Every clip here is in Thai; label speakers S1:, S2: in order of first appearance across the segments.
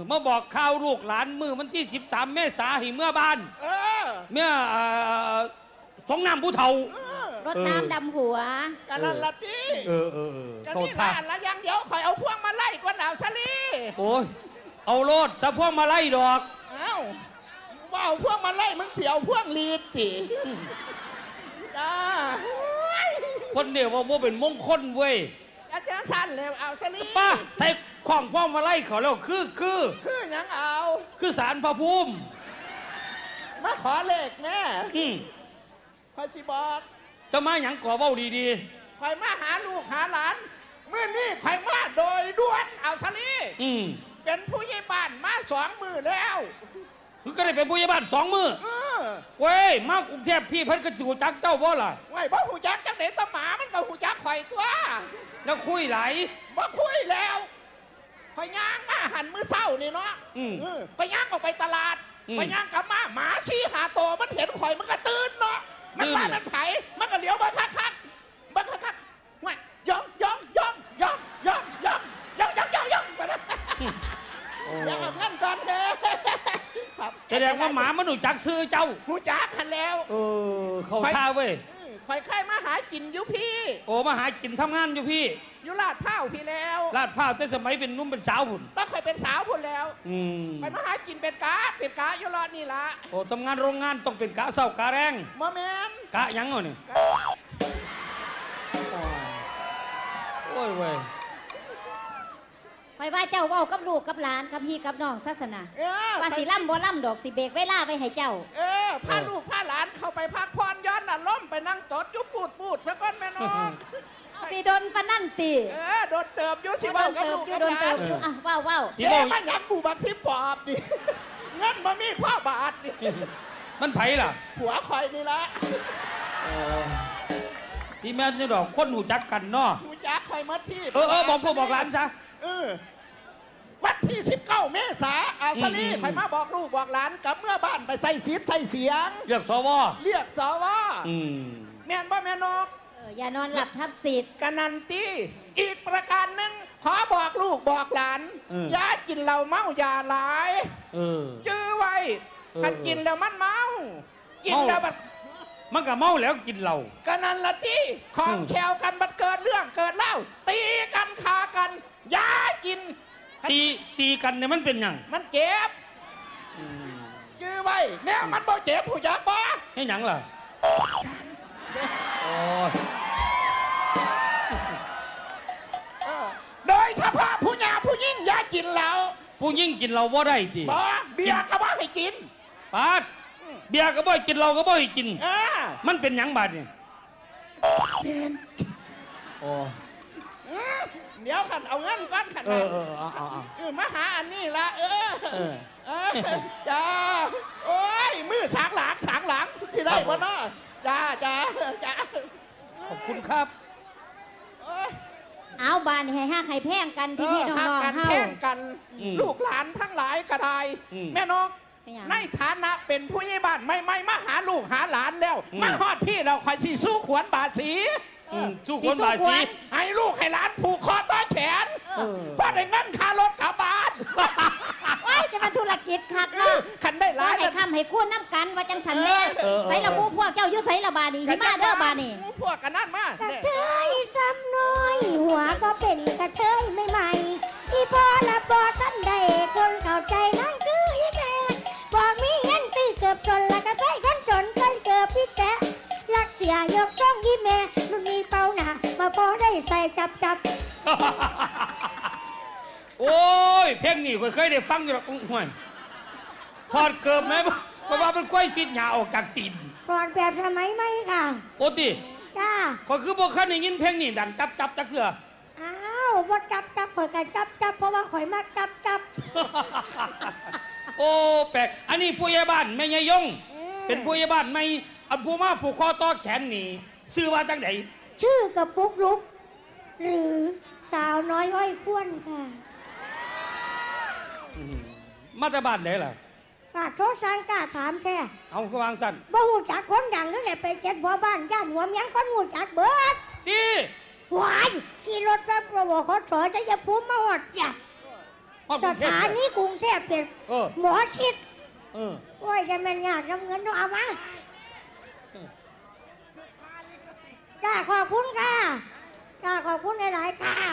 S1: มาบอกข่าวลูกหลานมือวันที่13 เมษายนเมื่อบ้านเมื่อสงน้ำผู้เฒ่าร
S2: ถน้ำดำหัว
S3: กันละตีกันนี่บ้านละยังเดี๋ยวคอยเอาพวงมาไล่กวนเอาซะลี
S1: โอ้ยเอาโลดสะพวงมาไล่ดอก
S3: ว่าเอาพวงมาไล่มึงเสียวพวงลีดสิจ้า
S1: คนเดียวว่าเป็นมงคลเว้ย
S3: อาจารย์สั้นแล้วเอาซะลี
S1: ป้าใส่ของพวงมาไล่เขาแล้วคือ
S3: ยังเอา
S1: คือศาลพระภูมิ
S3: มาขอเลขแน่คอยสิบอก
S1: จะมาหยังก่อเว้าดี
S3: ๆคอยมาหาลูกหาหลานเมื่อนี้คอยมาโดยด่วนเอาซะลีเป็นผู้ใหญ่บ้านมา2 มื้อแล้ว
S1: คือก็ได้เป็นผู้ใหญ่บ้าน2 มื้อเว้ยมากรุงเทพพี่เพิ่นก็สิฮู้จักเจ้าบ่ล่ะ
S3: เว้ยบ่ฮู้จักจังได๋ตะหมามันก็ฮู้จักข่อยตัว
S1: แล้วคุยไหล
S3: บ่คุยแล้วข่อยย่างมาหันมื้อเช้านี่เนาะไปย่างออกไปตลาดไปย่างกลับมาหมา4-5 ตัวมันเห็นข่อยมันก็ตื่นเนาะมันว่ามันไผมันก็เลี้ยวมาคักๆมันคักๆเว้ยย่องไปแล้วยังเอาเงินก่อนเด้อ
S1: แสดงว่าหมามันรู้จักซื้อเจ้า
S3: รู้จักกันแล้ว
S1: เข้าท่าเว้ย
S3: คอยใครมาหากินอยู่พี่
S1: โอ้มาหากินทำงานอยู่พี่
S3: อยู่ลาดพร้าวพี่แล้ว
S1: ลาดพร้าวแต่สมัยเป็นนุ่มเป็นสาวหุ่น
S3: ต้องเคยเป็นสาวหุ่นแล้วไปมาหากินเป็นกะอยู่รอดนี่ละ
S1: โอ้ทำงานโรงงานต้องเป็นกะเศร้ากะแรง
S3: มะแมน
S1: กะยังเนี่ยโอ้ยเว้ย
S2: ไปว่าเจ้าว่ากับลูกกับหลานกับพี่กับน้องศาสนาว่าสิล่ำบ่ล่ำดอกสิเบกเวลาไว้ให้เจ้า
S3: พาลูกพาหลานเข้าไปพักผ่อนย้อนน่ะล้มไปนั่งตดยุบปูดซะก่อนแม่น้อง
S2: สิโดนปนั่นติ
S3: โดนเติบยุสิว่ากับลูกกับหลาน
S2: ว้าว
S3: เจ๊มันยักกูบักพิปอบดิเงินมามีพ่อบาทดิ
S1: มันไผล่ะ
S3: ผัวคอยนี่ละ
S1: ที่แม่นี่ดอกคนหูจักกันเนาะ
S3: หูจักคอยมาที่
S1: บอกพ่อบอกหลานซะ
S3: วันที่19 เมษายนเอาซะลีคอยมาบอกลูกบอกหลานกับเมื่อบ้านไปใส่เสียง
S1: เรียกสว
S3: แม่นบ่แม่นก
S2: อย่านอนหลับทับสิทธิ์
S3: กันนันตีอีกประการหนึ่งขอบอกลูกบอกหลานอย่ากินเหล้าเมาอย่าหลายจื้อไว้ถ้ากินแล้วมันเมากินแล้ว
S1: มันก็เมาแล้วกินเหล้า
S3: กันนันละตีของแขวกันบัดเกิดเรื่องเกิดเล่าตีกันคากันอย่ากิน
S1: ตีกันเนี่ยมันเป็นยัง
S3: มันเจ็บจื้อไว้เนี่ยมันบ่เจ็บผู้จักบ่
S1: ให้หยังล่ะ
S3: โดยเฉพาะผู้หญิงผู้ยิ่งอย่ากินเหล้า
S1: ผู้ยิ่งกินเหล้าบ่ได้ที
S3: บ่เบียร์ก็บ่ให้กิน
S1: ปาดเบียร์ก็บ่ให้กินเหล้าก็บ่ให้กินมันเป็นหยังบาดเนี่ย
S3: เดี๋ยวขันเอาเงินก้อนขันมาหาอันนี้ละจ้าโอ้ยมือสางหลังที่ได้บ่เนาะจ้า
S1: ขอบคุณครับ
S2: เอาบานให้ห้าให้แพงกันพี่น้องๆเฮา
S3: แพงกันลูกหลานทั้งหลายก็ได้แม่นกในฐานะเป็นผู้ใหญ่บ้านไม่มาหาลูกหาหลานแล้วมาฮอดพี่เราคอยชี้สู้ขวัญบาสี
S1: สู้คนบาสี
S3: ให้ลูกให้หลานผูกคอต่อแขนเพราะได้เงินค่ารถกลับบ้าน
S2: ว้ายจะมาธุรกิจคักเนาะ
S3: คันได้หลาย
S2: ให้ทำให้คู่น้ำกันว่าจังสันแน่ใส่ละมูพวกเจ้ายุใส่ละบานีที่มาเด้อบานี
S3: พวกกันนั่นมาก
S4: ระเทยซ้ำน้อยหัวก็เป็นกระเทยไม่ใหม่อีพอละบอท่านใดคนเข้าใจนั่นคืออีแม่บอกมีเงินตีเกือบจนละกระเทยคนจนเคยเกือบพี่แจ๊รักเสียยกจ้องยี่แม่รุ่นนี้เป้าหนามาพอได้ใส่จับ
S1: โอ้ยเพลงนี้เคยได้ฟังอยู่หรอกห่วยถอดเกิบไหมเพราะว่ามันกล้วยซิดหยาออกจากตีน
S4: ถอดแบบสมัยไหมค่ะ
S1: โอ้ติ
S4: จ้า
S1: ก็คือพวกเขาได้ยินเพลงนี้ดังจับจักเสือ
S4: อ้าวว่าจับข่อยกันจับเพราะว่าข่อยมากจับ
S1: โอ้แปลกอันนี้ผู้ใหญ่บ้านแม่ยายยงเป็นผู้ใหญ่บ้านไม่อันผู้มาผูกคอต่อแขนนี่ชื่อว่าจังไหน
S4: ชื่อกับปุ๊กลุกหรือสาวน้อยห้อยพ้วนค่ะ
S1: มาจากบ้านไหนล่ะ
S4: ปากโทษสังกาถามแค่
S1: เอาก็วางสั่น
S4: บ่หูจักคนดังนั่นแหละไปเจ็ดหัวบ้านย่านหัวเมียงคนหูจักเบิด
S1: ดี
S4: หวายขี่รถรับประวัติเขาสอนจะอย่าพูดมาหอดจ้ะ
S1: ฮ
S4: สถานีกรุงเทพเป็นหมอชิดโอ้ยจะมันยากน้ำเงินต้องเอามาจ้าขอบคุณค่ะจ้าขอบคุณหลายๆค่ะ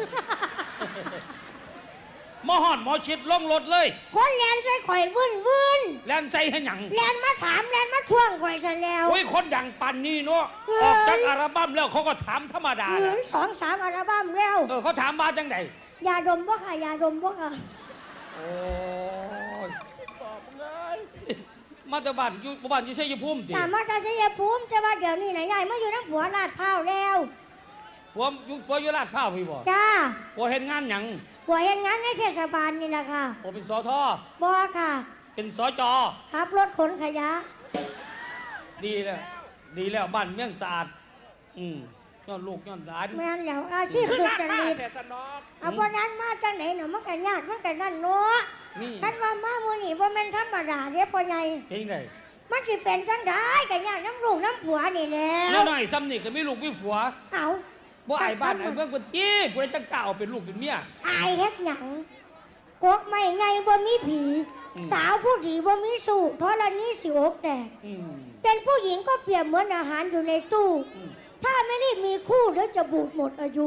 S1: หมอหอดหมอชิดลงรถเลย
S4: คนแลนใส่ข่อยวื่น
S1: แลนใส่ให้หยัง
S4: แลนมาถามแลนมาท่วงข่อยซะแล้ว
S1: โอ้ยคนดังปันนี่เนาะออกจากอัลบั้มแล้วเขาก็ถามธรรมดา
S4: 2-3 อัลบั้มแล้ว
S1: เขาถามมาจังได
S4: ยาดมบ่ค่ะยาดมบ่ค่ะ
S1: โอ้ย
S3: บอกมึงเลย
S1: มาจากบ้านอยู่ชัยภูมิสิ
S4: ถามมาจากชัยภูมิแต่ว่าเดี๋ยวนี้นะยายมาอยู่น้ำผัวลาดพร้าวแล้ว
S1: ผัวอยู่ลาดพร้าวพี่บ่
S4: จ้า
S1: ผัวเห็นงานหยัง
S4: ผัวเห็นงานในเทศบาลนี่แหละค่ะ
S1: ผัวเป็นสท
S4: บ่ค่ะ
S1: เป็นสจ
S4: ขับรถขนขยะ
S1: ดีแล้วบ้านเมืองสะอาดย้อนลูกย้อนหลาน
S4: แม่นแล้วอาชีพสุจริต
S3: แต่สนอก
S4: เอาวันนั้นมาจังไหนเนาะมันก็ยากมันก็นั่นเนาะ
S1: นี่
S4: คันว่ามามื้อนี้บ่แม่นธรรมดาเด้พ่อใหญ่
S1: เห็นไง
S4: มันสิเป็นจังได๋ก็ยากน้ำลูกน้ำผัวนี่แหละ
S1: แล้วหน่อยซ้ำนี่ก็มีลูกมีผัว
S4: เอา
S1: บ่อายบ้านอายเมืองคนจี้ผู้ใดจังกล้าเอาเป็นลูกเป็นเมีย
S4: อายเฮ็ดหยังกกไม่ไงบ่มีผี สาวผู้ดีบ่มีสู้ธรณีสิอกแตก
S1: อืม
S4: เป็นผู้หญิงก็เปรียบเหมือนอาหารอยู่ในตู้
S1: อืม
S4: ถ้าไม่ได้มีคู่เดี๋ยวจะบูดหมดอายุ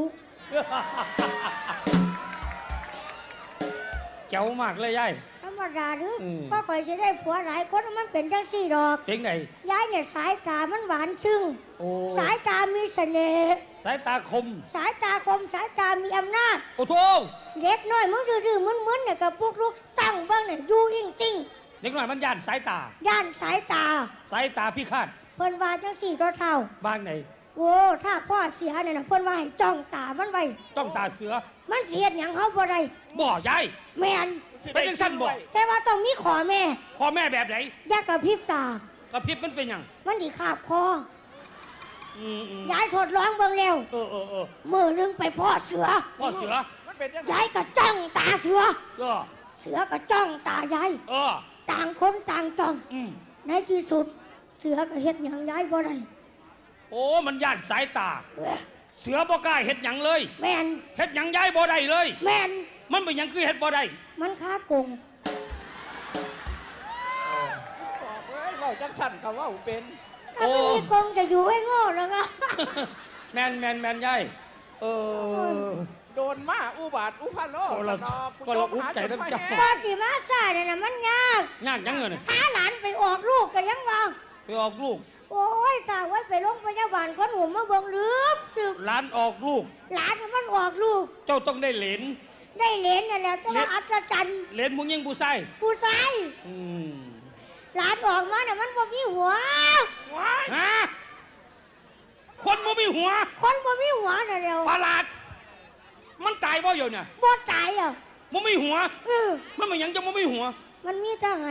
S1: เจ๋วมากเลยยาย
S4: ธรรมดาหรืออ
S1: ม
S4: ก็คอยจะได้ผัวหลายคนมันเป็นจังซี่ดอก
S1: เห็นไง
S4: ยายเนี่ยสายตามันหวานซึ้ง
S1: โอ้
S4: สายตามีเสน่ห์
S1: สายตาคม
S4: สายตาคมสายตามีอำนาจ
S1: โอ้โถ
S4: เด็กน้อยมึงดื้อๆมึนๆเนี่ยกับพวกลูกตั้งเบ้างเนี่ยอยู่อิงติ้ง
S1: เด็กหน่อยมันย่านสายตา
S4: ย่านสายตา
S1: สายตาพิฆาต
S4: เพิ่นว่าจังสี่ก็เท่า
S1: บ้างไหน
S4: โอ้ถ้าพ่อเสียเนี่ยนะเพิ่นว่าให้จ้องตามันไว้
S1: ต้องตาเสือ
S4: มันเสียดหยังเขาบ่ได้
S1: บ่ยาย
S4: แม่น
S1: เป็นจังสั้นบ่
S4: แต่ว่าต้องมีขอแม่
S1: พ่อแม่แบบไหน
S4: อย่ากระพริบตาก
S1: ระพริบมันเป็นหยัง
S4: มันดิขาบคอ
S1: อืม
S4: ยายทดลองเบิ่งแล้ว
S1: เออ
S4: มือนึงไปพ่อเสือ
S1: พ่อเสือ
S3: มันเป็นยังไง
S4: ยายก็จ้องตาเสือ
S1: ก็
S4: เสือก็จ้องตายาย
S1: เออ
S4: ต่างคนต่างจ้อง
S1: อืม
S4: ในที่สุด เสือก็เฮ็ดหยังยายบ่ได้
S1: โอ้มันย่านสายตา
S4: เอ้อ
S1: เสือบ่กล้าเฮ็ดหยังเลย
S4: แม่น
S1: เฮ็ดหยังย้ายบ่ได้เลย
S4: แม่น
S1: มันเป็นหยังคือเฮ็ดบ่ได้
S4: มันค้ากง
S3: บอกเลยเราจังสั่นกับว่าเป็น
S4: ถ้าไม่มีกงจะอยู่ให้โง่แล้วก็
S1: แมนยายเออ
S3: โดนมาอุบาทอุพาโล
S1: โอ้เรา
S3: สนอก
S1: ก็เราอุ๊บใจน้ำเจ้า
S4: พอสิมาซ่าเนี่ยนะมันยาก
S1: ยากยังเงินย
S4: หาหลานไปออกลูกก็ยังว่า
S1: ไปออกลูก
S4: โอ้ยถ้าไว้ไปโรงพยาบาลคนหัวมาเบิ่งลึกสึก
S1: ร้านออกลูก
S4: หลานมันออกลูก
S1: เจ้าต้องได้เหรน
S4: ได้เหรียญนั่นแหละจะว่าอัศจรรย์
S1: เหรนมึงยิงผู้ชาย
S4: ผู้ชาย
S1: อืม
S4: หลานออกมาเนี่ยมันบ่มีหัว
S3: ว้าย
S1: ฮะคนบ่มีหัว
S4: คนบ่มีหัวน่ะเร็ว
S1: ประหลาด มันตายบ่อยู่เนี่ย
S4: บ่ตายอ่ะ
S1: บ่มีหัว
S4: เออ
S1: มันเป็นหยังจะบ่มีหัว
S4: มันมีแต่ไห้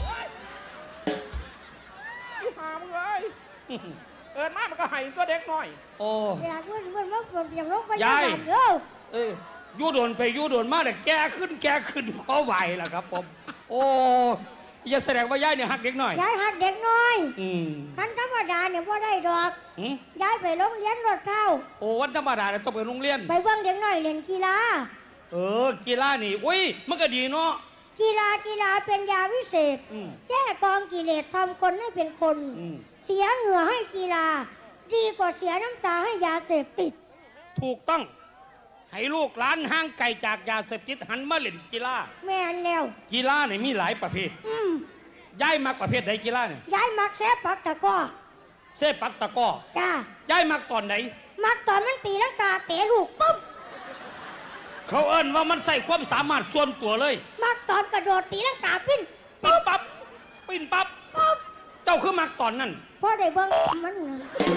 S3: อีหามเลยเอินมามันก็ให้ตัวเด็กน้อย
S1: โอ้
S4: อยากมันมาเปลี่ยนโรงพยาบาล
S1: ยาย
S4: เด้อ
S1: เอ้ยยูโดนไปยูโดนมาแต่แกขึ้นขอไหวล่ะครับผม โอ้อย่าแสดงว่ายายเนี่ยหักเด็กหน่อย
S4: ยายหัดเด็กน้อย
S1: อืม
S4: คันธรรมดาเนี่ยบ่ได้ดอก
S1: หืม
S4: ยายไปโรงเรียนรถเท่า
S1: โอ้วันธรรมดาเนี่ยต้องไปโรงเรียน
S4: ไปเบิ่งเด็กน้อยเล่นกีฬา
S1: กีฬานี่อุ้ยมันก็ดีเนาะ
S4: กีฬาเป็นยาวิเศษ
S1: อืม
S4: แก้กองกิเลสทำคนให้เป็นคน
S1: อืม
S4: เสียเหงื่อให้กีฬา ดีกว่าเสียน้ำตาให้ยาเสพติด
S1: ถูกต้อง ให้ลูกหลานห่างไกลจากยาเสพติดหันมาเล่นกีฬา
S4: แม่นแล้ว
S1: กีฬาเนี่ยมีหลายประเภท ย้ายมักประเภทใดกีฬาเนี่ย
S4: ยายมักแซ่ปักตะกร้อ
S1: เซปักตะกร้อ
S4: จ้า
S1: ย้ายมักตอนไหน
S4: มักตอนมันตีลังกาเตะลูกปุ๊บ
S1: เขาเอิ้นว่ามันใส่ความสามารถส่วนตัวเลย
S4: มักตอนกระโดดตีลังกาปิ้น
S1: ปิ้นปั๊บปิ้นปั๊บ
S4: ปุ๊บ
S1: เจ้าคือมักตอนนั้น
S4: พอได้เบิ่งมันน่ะ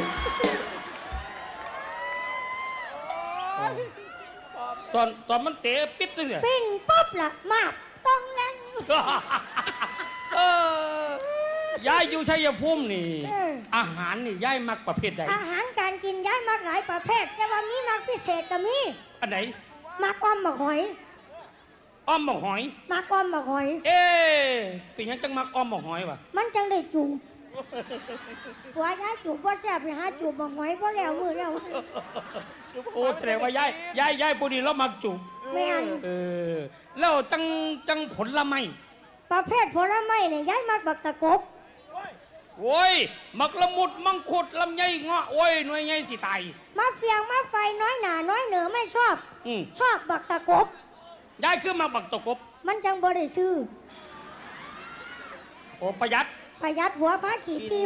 S3: โอ้ยบอก
S1: ตอนมันเตะปิดเลยเนี่ย
S4: ปิ้นปุ๊บล่ะมากต้องแรง
S1: เออยายอยู่ชัยภูมินี่ อาหารนี่ยายมักประเภทใด
S4: อาหารการกินย้ายมักหลายประเภท แต่ว่ามีมักพิเศษก็มี
S1: อันไหน
S4: มักอ้อมมักหอย
S1: อ้อมหมกหอย
S4: มักอ้อมมักหอย
S1: เอ๊ะเป็นหยังจังมักอ้อมหมกหอยวะ
S4: มันจังได้จูบหัวย้ายจูบว่าแซ่บไปหาจูบมักหอยบ่แล้วมือแล้ว
S1: โอ้แสดงว่ายายผู้นี้เรามักจูบ
S4: แม่น
S1: แล้วจังผลไม้
S4: ประเภทผลไม้เนี่ยย้ายมักบักตะกบ
S1: โอ้ยมักละมุดมังคุดลำไยเงาะโอ้ยหน่วยไงสิตาย
S4: มาเฟียงมาไฟน้อยหนาน้อยเหนือไม่ชอบ ชอบบักตะกบ
S1: ยายคือมาบักตะกบ
S4: มันจังบ่ได้ซื้อ
S1: โอ้ประหยัด
S4: ประหยัดหัวพาขี่ที